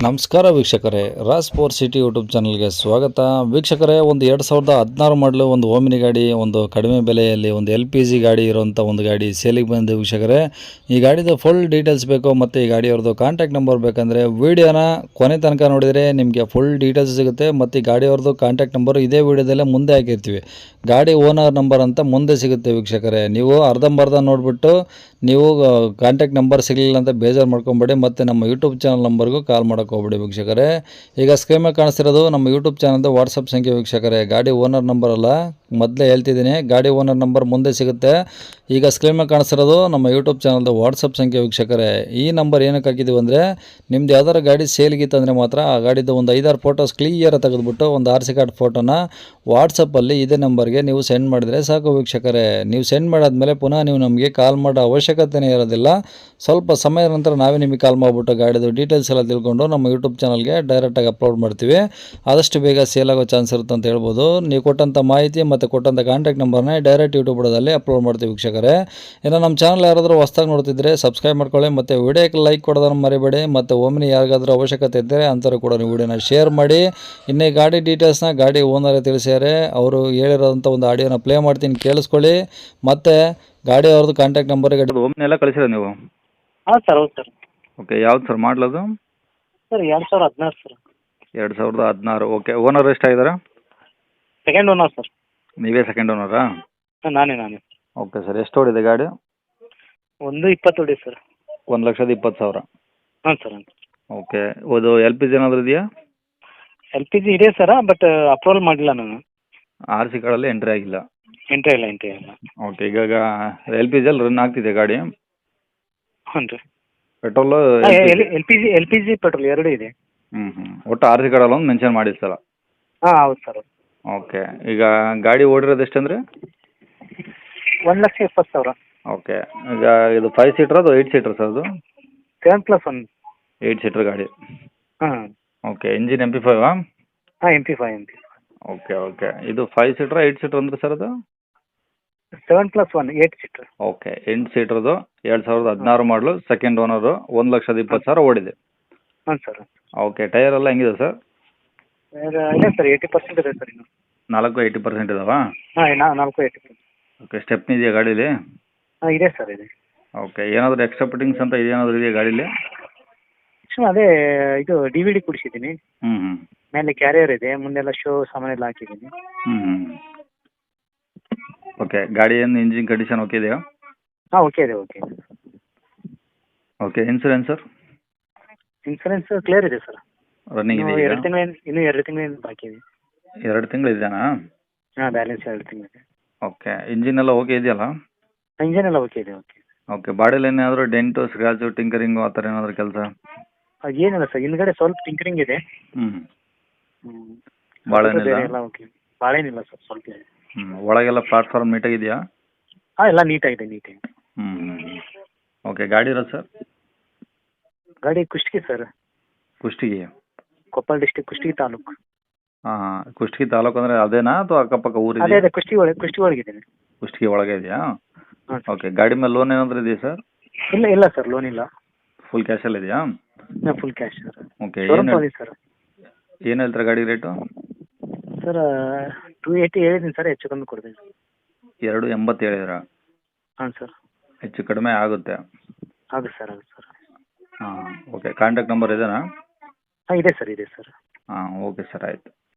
ನಮಸ್ಕಾರ ವೀಕ್ಷಕರೇ, Raas four city YouTube ಚಾನಲ್ಗೆ ಸ್ವಾಗತ. ವೀಕ್ಷಕರೇ, ಒಂದು 2016 ಮಾಡಲು ಒಂದು ಓಮಿನಿ ಗಾಡಿ, ಒಂದು ಕಡಿಮೆ ಬೆಲೆಯಲ್ಲಿ ಒಂದು LPG ಗಾಡಿ ಇರುವಂಥ ಒಂದು ಗಾಡಿ ಸೇಲಿಗೆ ಬಂದಿದೆ ವೀಕ್ಷಕರೇ. ಈ ಗಾಡಿದು ಫುಲ್ ಡೀಟೇಲ್ಸ್ ಬೇಕು ಮತ್ತು ಈ ಗಾಡಿಯವ್ರದ್ದು ಕಾಂಟ್ಯಾಕ್ಟ್ ನಂಬರ್ ಬೇಕಂದರೆ ವೀಡಿಯೋನ ಕೊನೆ ತನಕ ನೋಡಿದರೆ ನಿಮಗೆ ಫುಲ್ ಡೀಟೇಲ್ಸ್ ಸಿಗುತ್ತೆ. ಮತ್ತು ಈ ಗಾಡಿಯವ್ರದ್ದು ಕಾಂಟ್ಯಾಕ್ಟ್ ನಂಬರು ಇದೇ ವೀಡಿಯೋದಲ್ಲೇ ಮುಂದೆ ಹಾಕಿರ್ತೀವಿ. ಗಾಡಿ ಓನರ್ ನಂಬರ್ ಅಂತ ಮುಂದೆ ಸಿಗುತ್ತೆ ವೀಕ್ಷಕರೇ. ನೀವು ಅರ್ಧಂಬರ್ಧ ನೋಡಿಬಿಟ್ಟು ನೀವು ಕಾಂಟ್ಯಾಕ್ಟ್ ನಂಬರ್ ಸಿಗಲಿಲ್ಲ ಅಂತ ಬೇಜಾರು ಮಾಡ್ಕೊಬೇಡಿ. ಮತ್ತು ನಮ್ಮ ಯೂಟ್ಯೂಬ್ ಚಾನಲ್ ನಂಬರ್ಗೂ ಕಾಲ್ ಮಾಡೋಕೆ ಹೋಗ್ಬೇಡಿ ವೀಕ್ಷಕರೇ. ಈಗ ಸ್ಕ್ರೀನ್ ಮೇಲೆ ಕಾಣಿಸ್ತಿರೋದು ನಮ್ಮ ಯೂಟ್ಯೂಬ್ ಚಾನಲ್ದು ವಾಟ್ಸಪ್ ಸಂಖ್ಯೆ ವೀಕ್ಷಕರೇ. ಗಾಡಿ ಓನರ್ ನಂಬರ್ ಅಲ್ಲ, ಮೊದಲೇ ಹೇಳ್ತಿದ್ದೀನಿ, ಗಾಡಿ ಓನರ್ ನಂಬರ್ ಮುಂದೆ ಸಿಗುತ್ತೆ. ಈಗ ಸ್ಕ್ರೀನ್ ಮೇಲೆ ಕಾಣಿಸ್ತಿರೋದು ನಮ್ಮ ಯೂಟ್ಯೂಬ್ ಚಾನಲ್ದು ವಾಟ್ಸಪ್ ಸಂಖ್ಯೆ ವೀಕ್ಷಕರೇ. ಈ ನಂಬರ್ ಏನಕ್ಕೆ ಹಾಕಿದ್ದೀವಿ ಅಂದರೆ, ನಿಮ್ದು ಯಾವ್ದಾರು ಗಾಡಿ ಸೇಲ್ಗಿತ್ತಂದರೆ ಮಾತ್ರ ಆ ಗಾಡಿದು ಒಂದು 5-6 ಫೋಟೋಸ್ ಕ್ಲಿಯರ್ ತೆಗೆದುಬಿಟ್ಟು ಒಂದು RC ಕಾರ್ಡ್ ಫೋಟೋನ ವಾಟ್ಸಪ್ಪಲ್ಲಿ ಇದೇ ನಂಬರ್ಗೆ ನೀವು ಸೆಂಡ್ ಮಾಡಿದರೆ ಸಾಕು ವೀಕ್ಷಕರೇ. ನೀವು ಸೆಂಡ್ ಮಾಡಾದ್ಮೇಲೆ ಪುನಃ ನೀವು ನಮಗೆ ಕಾಲ್ ಮಾಡೋ ಅವಶ್ಯಕತೆಯೇ ಇರೋದಿಲ್ಲ. ಸ್ವಲ್ಪ ಸಮಯದ ನಂತರ ನಾವೇ ನಿಮಗೆ ಕಾಲ್ ಮಾಡಿಬಿಟ್ಟು ಗಾಡಿದು ಡೀಟೇಲ್ಸ್ ಎಲ್ಲ ತಿಳ್ಕೊಂಡು ನಮ್ಮ ಯೂಟ್ಯೂಬ್ ಚಾನಲ್ಗೆ ಡೈರೆಕ್ಟಾಗಿ ಅಪ್ಲೋಡ್ ಮಾಡ್ತೀವಿ. ಆದಷ್ಟು ಬೇಗ ಸೇಲ್ ಆಗೋ ಚಾನ್ಸ್ ಇರುತ್ತೆ ಅಂತ ಹೇಳ್ಬೋದು. ನೀವು ಕೊಟ್ಟಂಥ ಮಾಹಿತಿ ಮತ್ತು ಕೊಟ್ಟಂಥ ಕಾಂಟ್ಯಾಕ್ಟ್ ನಂಬರ್ನ ಡೈರೆಕ್ಟ್ ಯೂಟ್ಯೂಬ್ ಬುಡದಲ್ಲಿ ಅಪ್ಲೋಡ್ ಮಾಡ್ತೀವಿ ವೀಕ್ಷಕರೇ. ಇನ್ನು ನಮ್ಮ ಚಾನಲ್ ಯಾರಾದರೂ ಹೊಸ್ದಾಗಿ ನೋಡ್ತಿದ್ರೆ ಸಬ್ಸ್ಕ್ರೈಬ್ ಮಾಡ್ಕೊಳ್ಳಿ ಮತ್ತು ವಿಡಿಯೋಕ್ಕೆ ಲೈಕ್ ಕೊಡೋದನ್ನು ಮರಿಬೇಡಿ. ಮತ್ತು ಒಮ್ಮೆ ಯಾರಿಗಾದ್ರೂ ಅವಶ್ಯಕತೆ ಇದ್ದರೆ ಅಂಥವ್ರು ಕೂಡ ನೀವು ವಿಡಿಯೋನ ಶೇರ್ ಮಾಡಿ. ಇನ್ನೇ ಗಾಡಿ ಡೀಟೇಲ್ಸ್ನ ಗಾಡಿ ಓನರೇ ತಿಳಿಸ್ಯಾರೆ, ಅವರು ಹೇಳಿರೋಂಥ ಒಂದು ಆಡಿಯೋನ ಪ್ಲೇ ಮಾಡ್ತೀನಿ, ಕೇಳಿಸ್ಕೊಳ್ಳಿ. ಮತ್ತು ಗಾಡಿ ಅವ್ರದ್ದು ಕಾಂಟ್ಯಾಕ್ಟ್ ನಂಬರಿಗೆ ಒಮ್ಮೆ ಕಳಿಸಿರ ನೀವು? ಹಾಂ ಸರ್, ಹೌದು ಸರ್. ಓಕೆ, ಯಾವ್ದು ಸರ್ ಮಾಡಲದು? Sir 2016 sir. 2016. ಓಕೆ, ಓನರ್ ಎಷ್ಟಾಗಿದ್ದಾರೆ? Second owner sir. ನೀವೇ ಸೆಕೆಂಡ್ ಓನರಾ? ನಾನೇ. ಓಕೆ ಸರ್, ಎಷ್ಟು ಓಡಿದೆ ಗಾಡಿ? 120 ಹೊಡಿ ಸರ್. 1,20,000. ಹಾಂ ಸರ್. ಓಕೆ, ಅದು LPG ಏನಾದರೂ ಇದೆಯಾ? LPG ಇದೆ ಸರ, ಬಟ್ ಅಪ್ರೂವಲ್ ಮಾಡಿಲ್ಲ ನಾನು. RC ಕಾರ್ಡಲ್ಲಿ ಎಂಟ್ರಿ ಆಗಿಲ್ಲ? ಎಂಟ್ರಿ ಇಲ್ಲ. ಓಕೆ, ಈಗ LPG ಅಲ್ಲಿ ರನ್ ಆಗ್ತಿದೆ ಗಾಡಿ? ಹ್ಞೂ ರೀ. ಪೆಟ್ರೋಲು? LPG ಪೆಟ್ರೋಲ್ ಎರಡೂ ಇದೆ. ಒಟ್ಟು RC ಕಾರ್ಡಲ್ಲಿ ಒಂದು ಮೆನ್ಷನ್ ಮಾಡಿ ಸರ್. ಹಾಂ, ಹೌದು ಸರ್. ಓಕೆ, ಈಗ ಗಾಡಿ ಓಡಿರೋದು ಎಷ್ಟಂದರೆ? 1,20,000. ಓಕೆ, ಈಗ ಇದು 5 ಸೀಟ್ರ್ ಅದು 8 ಸೀಟ್ರ್ ಸರ್ ಅದು? 7+1. 8 ಸೀಟ್ರ್ ಗಾಡಿ. ಹಾಂ. Okay, engine MP5? ಹಾಂ, MP5. ಓಕೆ, ಇದು 5 ಸೀಟ್ರಾ 8 ಸೀಟ್ರ್ ಅಂದ್ರೆ ಸರ್ ಅದು? 7+1 8 ಸೀಟ್ರ್. ಓಕೆ, 8 ಸೀಟ್ರದು 2016 ಮಾಡಲು, ಸೆಕೆಂಡ್ ಓನರು, 1,20,000 ಓಡಿದೆ. ಹಾಂ ಸರ್. ಓಕೆ, ಟೈರ್ ಎಲ್ಲ ಹೆಂಗಿದೆ ಸರ್? ಇದೆ ಸರ್, 80% ಇದೆ ಸರ್ ಇನ್ನು. 80% ಇದಾವಾ? ಹಾಂ, 80%. ಓಕೆ, ಸ್ಟೆಪ್ನಿ ಇದೆಯಾ ಗಾಡೀಲಿ? ಹಾಂ, ಇದೆ ಸರ್, ಇದೆ. ಓಕೆ, ಏನಾದರೂ ಎಕ್ಸ್ಟ್ರಾ ಫಿಟ್ಟಿಂಗ್ಸ್ ಅಂತ ಏನಾದರೂ ಇದೆಯಾ ಗಾಡೀಲಿ? ಅದೇ ಇದು DVD ಕುಡಿಸಿದ್ದೀನಿ. ಮೇಲೆ ಕ್ಯಾರಿಯರ್ ಇದೆ, ಮುಂದೆಲ್ಲ ಶೋ ಸಾಮಾನೆಲ್ಲ ಹಾಕಿದ್ದೀನಿ. ಓಕೆ, ಗಾಡಿ ಏನು ಇಂಜಿನ್ ಕಂಡೀಷನ್ ಓಕೆ ಇದೆಯಾ? ಹಾಂ, ಓಕೆ ಇದೆ. Okay, insurance sir? Insurance clear ಇದೆ ಸರ್. ರನ್ನಿಂಗ್ ಇದೆ? 2 ತಿಂಗಳಿಂದ ಬಾಕಿ ಇದೆ. 2 ತಿಂಗಳು ಇದೆಯಾ? ಹಾಂ, ಬ್ಯಾಲೆನ್ಸ್ 2 ತಿಂಗಳಿದೆ. ಓಕೆ, ಇಂಜಿನ್ ಎಲ್ಲ ಓಕೆ ಇದೆಯಲ್ಲ? ಇಂಜನ್ ಎಲ್ಲ ಓಕೆ ಇದೆ. ಓಕೆ, ಬಾಡಿಯಲ್ಲಿ ಏನಾದರೂ ಡೆಂಟು, ಸ್ಕ್ರಾಚು, ಟಿಂಕರಿಂಗು ಆ ಥರ ಏನಾದರೂ ಕೆಲಸ? ಏನಿಲ್ಲ ಸರ್, ಹಿಂದ್ಗಡೆ ಸ್ವಲ್ಪ ಟಿಂಕರಿಂಗ್ ಇದೆ. ಭಾಳ ಎಲ್ಲ ಓಕೆ. ಭಾಳೇನಿಲ್ಲ ಸರ್, ಸ್ವಲ್ಪ ಇದೆ. ಒಳಗೆಲ್ಲ ಪ್ಲಾಟ್ಫಾರ್ಮ್ ನೀಟಾಗಿದೆಯಾ? ಹಾಂ, ಎಲ್ಲ ನೀಟಾಗಿದೆ. ಓಕೆ, ಗಾಡಿ ಇರೋದು ಸರ್? ಗಾಡಿ ಕುಷ್ಟಗಿ ಸರ್. ಕುಷ್ಟಗಿ? ಕೊಪ್ಪಳ ಡಿಸ್ಟಿಕ್, ಕುಷ್ಟಗಿ ತಾಲೂಕು. ಹಾಂ, ಕುಷ್ಟಗಿ ತಾಲೂಕು ಅಂದರೆ ಅದೇನಾ ಅಥವಾ ಅಕ್ಕಪಕ್ಕ ಊರಿದೆ? ಅದೇ ಕುಷ್ಟಗಿ ಒಳಗಿದ್ದೇನೆ. ಕುಷ್ಟಗಿ ಒಳಗೆ ಇದೆಯಾ? ಹಾಂ. ಓಕೆ, ಗಾಡಿ ಮೇಲೆ ಲೋನ್ ಏನಾದರೂ ಇದೆಯಾ ಸರ್? ಇಲ್ಲ ಸರ್, ಲೋನ್ ಇಲ್ಲ. ಫುಲ್ ಕ್ಯಾಶಲ್ಲಿ ಇದೆಯಾ? Full cash sir. Okay, sir. ಏನು ಹೇಳ್ತಾರೆ ಗಾಡಿ ರೇಟು? ಸರ್ 280 ಹೇಳಿದ್ದೀನಿ ಸರ್, ಹೆಚ್ಚು ಕಮ್ಮಿ ಕೊಡ್ತೀನಿ. 280 ಹೇಳಿದ್ರಾ? ಹಾಂ ಸರ್. ಹೆಚ್ಚು ಕಡಿಮೆ ಆಗುತ್ತೆ? ಆಗುತ್ತೆ ಸರ್. ಹಾಂ, ಓಕೆ, ಕಾಂಟ್ಯಾಕ್ಟ್ ನಂಬರ್ ಇದೆನಾ? ಹಾಂ, ಇದೆ ಸರ್. ಹಾಂ, ಓಕೆ ಸರ್, ಆಯಿತು.